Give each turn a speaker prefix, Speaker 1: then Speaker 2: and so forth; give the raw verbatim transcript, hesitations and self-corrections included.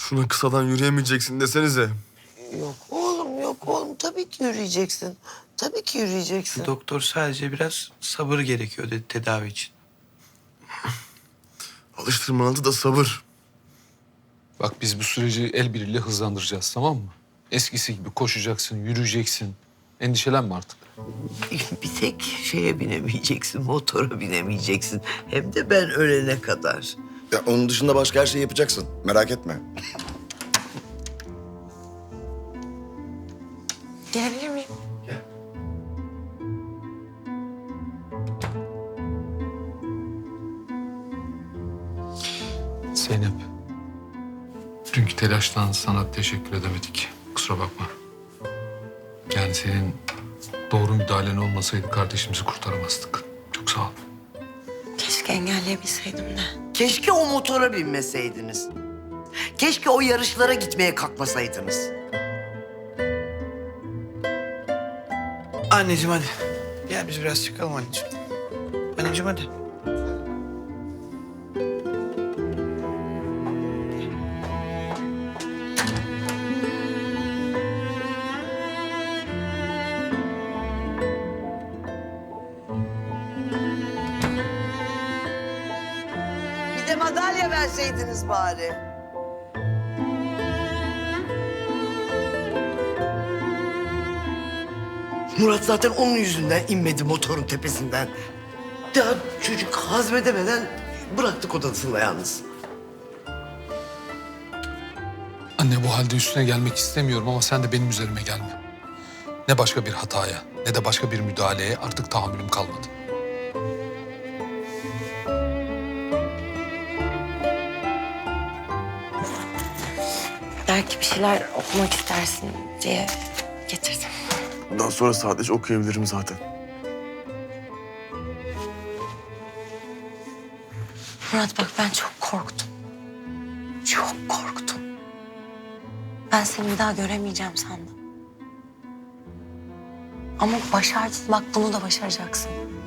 Speaker 1: Şuna kısadan yürüyemeyeceksin desenize.
Speaker 2: Yok oğlum, yok oğlum. Tabii ki yürüyeceksin. Tabii ki yürüyeceksin.
Speaker 3: Doktor sadece biraz sabır gerekiyor dedi tedavi için.
Speaker 1: Alıştırmanın da sabır.
Speaker 4: Bak biz bu süreci el birliğiyle hızlandıracağız, tamam mı? Eskisi gibi koşacaksın, yürüyeceksin. Endişelenme artık.
Speaker 2: Bir tek şeye binemeyeceksin, motora binemeyeceksin. Hem de ben ölene kadar.
Speaker 5: Ya onun dışında başka her şeyi yapacaksın. Merak etme.
Speaker 6: Gelebilir miyim?
Speaker 4: Zeynep, dünkü telaştan sana teşekkür edemedik. Kusura bakma. Yani senin doğru müdahalen olmasaydı kardeşimizi kurtaramazdık. Çok sağ ol.
Speaker 6: Keşke engelleyebilseydim de.
Speaker 2: Keşke o motora binmeseydiniz. Keşke o yarışlara gitmeye kalkmasaydınız.
Speaker 3: Anneciğim hadi. Gel biz biraz çıkalım anneciğim. Anneciğim hadi.
Speaker 2: Bir de madalya verseydiniz bari. Murat zaten onun yüzünden inmedi motorun tepesinden. Daha çocuk hazmedemeden bıraktık odasında yalnız.
Speaker 4: Anne, bu halde üstüne gelmek istemiyorum ama sen de benim üzerime gelme. Ne başka bir hataya ne de başka bir müdahaleye artık tahammülüm kalmadı.
Speaker 6: Belki bir şeyler okumak istersin diye getirdim.
Speaker 1: Bundan sonra sadece okuyabilirim zaten.
Speaker 6: Murat bak ben çok korktum. Çok korktum. Ben seni bir daha göremeyeceğim sandım. Ama başardın. Bak bunu da başaracaksın.